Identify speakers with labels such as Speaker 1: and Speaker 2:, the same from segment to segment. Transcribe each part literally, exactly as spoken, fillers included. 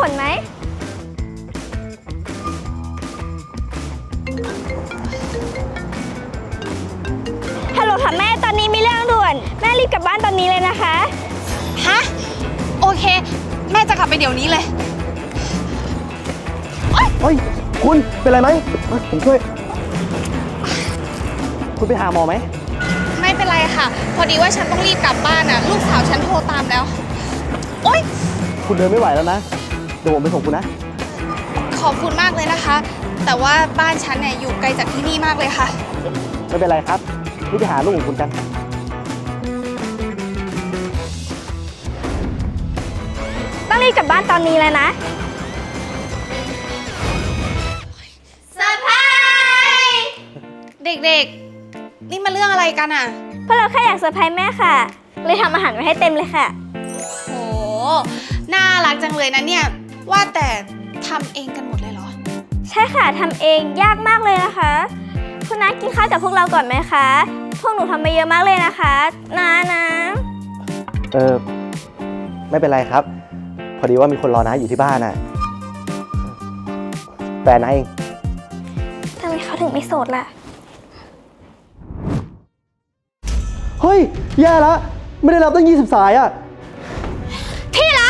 Speaker 1: ลไหมฮัลโหลค่ะแม่ตอนนี้มีเรื่องด่วนแม่รีบกลับบ้านตอนนี้เลยนะคะ
Speaker 2: ฮะโอเคแม่จะกลับไปเดี๋ยวนี้เลย
Speaker 3: เฮ้ยคุณเป็นไรไหมผมช่วยคุณไปหาหมอไหม
Speaker 2: ไม่เป็นไรค่ะพอดีว่าฉันต้องรีบกลับบ้านน่ะลูกสาวฉันโทรตามแล้วโอ๊ย
Speaker 3: คุณเดินไม่ไหวแล้วนะเดี๋ยวผมไปส่งคุณนะ
Speaker 2: ขอบคุณมากเลยนะคะแต่ว่าบ้านฉันเนี่ยอยู่ไกลจากที่นี่มากเลยค่ะ
Speaker 3: ไม่เป็นไรครับนี่ไปหาลูกของคุณกัน
Speaker 1: ต้องรีบกลับบ้านตอนนี้เลยนะ
Speaker 2: เซอร์ไพรส์เด็กๆนี่มาเรื่องอะไรกันอ่ะ
Speaker 1: เพราะเราแค่อยากเซอร์ไพรส์แม่ค่ะเลยทำอาหารไว้ให้เต็มเลยค่ะ
Speaker 2: โหน่ารักจังเลยนะเนี่ยว่าแต่ทำเองกันหมดเลยเหรอ
Speaker 1: ใช่ค่ะทำเองยากมากเลยนะคะคุณน้ากินข้าวกับพวกเราก่อนไหมคะพวกหนูทำไปเยอะมากเลยนะคะน้านะ
Speaker 3: เออไม่เป็นไรครับพอดีว่ามีคนรอน้าอยู่ที่บ้านน่ะแฟนน้าเอง
Speaker 1: ทำไมเขาถึงไม่โสดล่ะ
Speaker 3: เฮ้ยแย่แล้วไม่ได้รับตั้งยี่สิบสายอ่ะ
Speaker 2: ที่รัก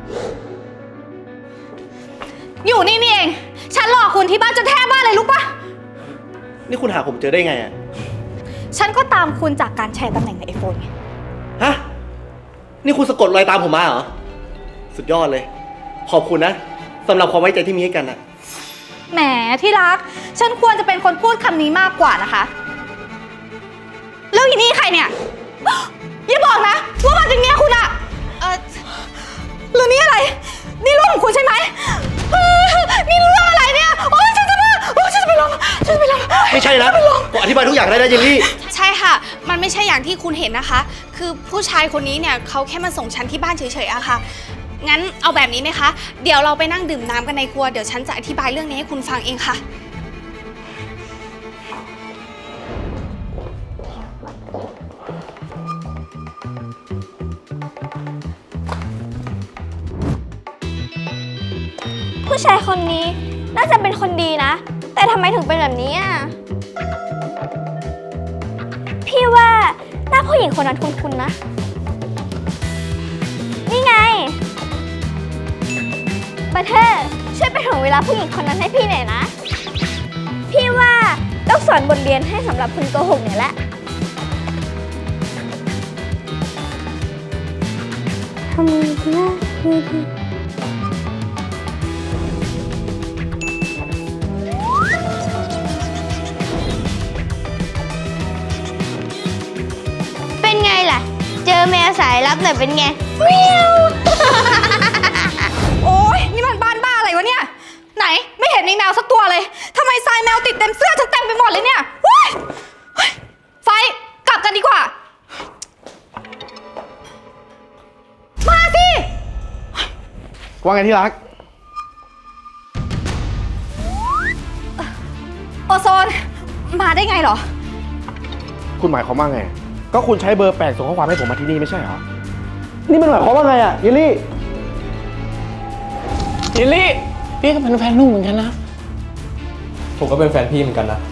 Speaker 2: อยู่นี่นี่เองฉันรอคุณที่บ้านจนแทบบ้านเลยรู้ปะ
Speaker 3: นี่คุณหาผมเจอได้ไงอ่ะ
Speaker 2: ฉันก็ตามคุณจากการแชร์ตำแหน่งในไอโฟนไง
Speaker 3: ฮะนี่คุณสะกดรอยตามผมมาเหรอสุดยอดเลยขอบคุณนะสำหรับความไว้ใจที่มีให้กันนะ
Speaker 2: แหมที่รักฉันควรจะเป็นคนพูดคำนี้มากกว่านะคะแล้วอีนี่ใครเนี่ยอย่าบอกนะว่ามันเป็นเมียคุณอะเออหรือนี่อะไรนี่ลูกของคุณใช่ไหมนี่เรื่องอะไรเนี่ยโอ๊ยฉันจะมาโอ๊ยฉันจะไปลงฉันจะไปลง
Speaker 3: ไม่ใช่นะผมอธิบายทุกอย่างได้นะเจลลี่
Speaker 2: ใช่ค่ะมันไม่ใช่อย่างที่คุณเห็นนะคะคือผู้ชายคนนี้เนี่ยเขาแค่มาส่งฉันที่บ้านเฉยๆอะค่ะงั้นเอาแบบนี้ไหมคะเดี๋ยวเราไปนั่งดื่มน้ำกันในครัวเดี๋ยวฉันจะอธิบายเรื่องนี้ให้คุณฟังเองค่ะ
Speaker 1: ผู้ชายคนนี้น่าจะเป็นคนดีนะแต่ทำไมถึงเป็นแบบนี้อ่ะพี่ว่าหน้าผู้หญิงคนนั้นคุ้นๆนะนี่ไงบัตเทอร์ช่วยไปถึงเวลาผู้หญิงคนนั้นให้พี่หน่อยนะพี่ว่าต้องสอนบทเรียนให้สำหรับคุณโกหกเนี่ยแหละทำไมนะไม่ดีเป็นไงล่ะเจอแมวสายลับหน่อยเป็นไงเมียว
Speaker 2: โอ๊ยนี่มันบ้านบ้าอะไรวะเนี่ยไหนไม่เห็นมีแมวสักตัวเลยทำไมทรายแมวติดเต็มเสื้อฉันเต็มไปหมดเลยเนี่ยไฟกลับกันดีกว่ามาสิ
Speaker 3: ว่าไงที่รัก
Speaker 2: โอโซนมาได้ไงเหรอ
Speaker 4: คุณหมายความว่าไงก็คุณใช้เบอร์แปลกส่งข้อความให้ผมมาที่นี่ไม่ใช่เหรอ
Speaker 3: นี่มันหมายความว่าไงอ่ะเยลลี่
Speaker 4: เยลลี่พี่ก็เป็นแฟนนุ่มเหมือนกันนะ
Speaker 5: ผมก็เป็นแฟนพี่เหมือนกันนะ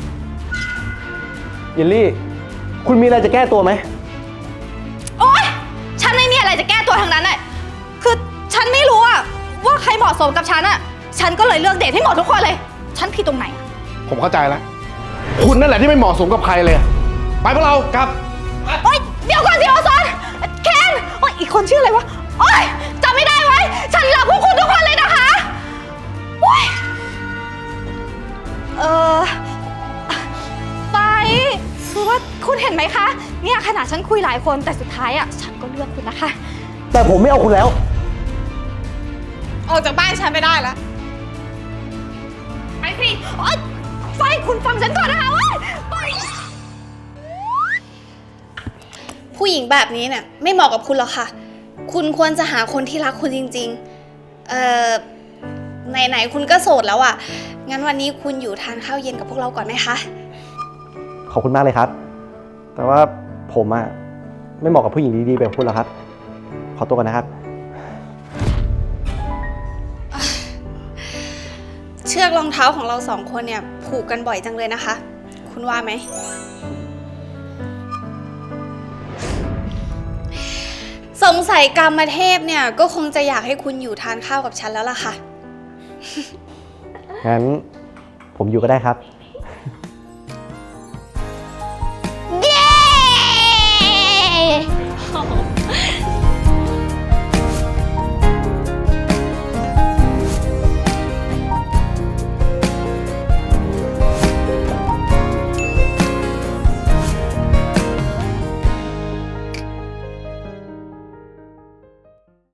Speaker 3: เยลลี่คุณมีอะไรจะแก้ตัวไหม
Speaker 2: โอ๊ยฉันไม่มีอะไรจะแก้ตัวทางนั้นเลยคือฉันไม่รู้อะว่าใครเหมาะสมกับฉันอะฉันก็เลยเลือกเดทให้หมดทุกคนเลยฉันผิดตรงไหน
Speaker 4: ผมเข้าใจแล้วคุณนั่นแหละที่ไม่เหมาะสมกับใครเลยไปพวกเรากลับ
Speaker 2: โอ๊ยเดี๋ยวก่อนสิโอซอนเคนโอ๊ยอีกคนชื่ออะไรวะโอ๊ยจำไม่ได้ไว้ฉันรักพวกคุณทุกคนเลยนะคะโอ๊ยเออไปคือว่าคุณเห็นไหมคะเนี่ยขนาดฉันคุยหลายคนแต่สุดท้ายอ่ะฉันก็เลือกคุณนะคะ
Speaker 3: แต่ผมไม่เอาคุณแล้ว
Speaker 2: ออกจากบ้านฉันไม่ได้แล้วไปสิโอ๊ยไฟคุณฟังฉันก่อนนะคะไปผู้หญิงแบบนี้เนี่ยไม่เหมาะกับคุณหรอกค่ะคุณควรจะหาคนที่รักคุณจริงๆเอ่อไหนๆคุณก็โสดแล้วอ่ะงั้นวันนี้คุณอยู่ทานข้าวเย็นกับพวกเราก่อนไหมคะ
Speaker 3: ขอบคุณมากเลยครับแต่ว่าผมอะไม่เหมาะกับผู้หญิงดีๆแบบคุณหรอกครับขอตัวก่อนนะครับ
Speaker 2: องเท้าของเราสองคนเนี่ยผูกกันบ่อยจังเลยนะคะ คุณว่าไหม สงสัยกรรมเทพเนี่ยก็คงจะอยากให้คุณอยู่ทานข้าวกับฉันแล้วล่ะค่ะ
Speaker 3: งั้นผมอยู่ก็ได้ครับ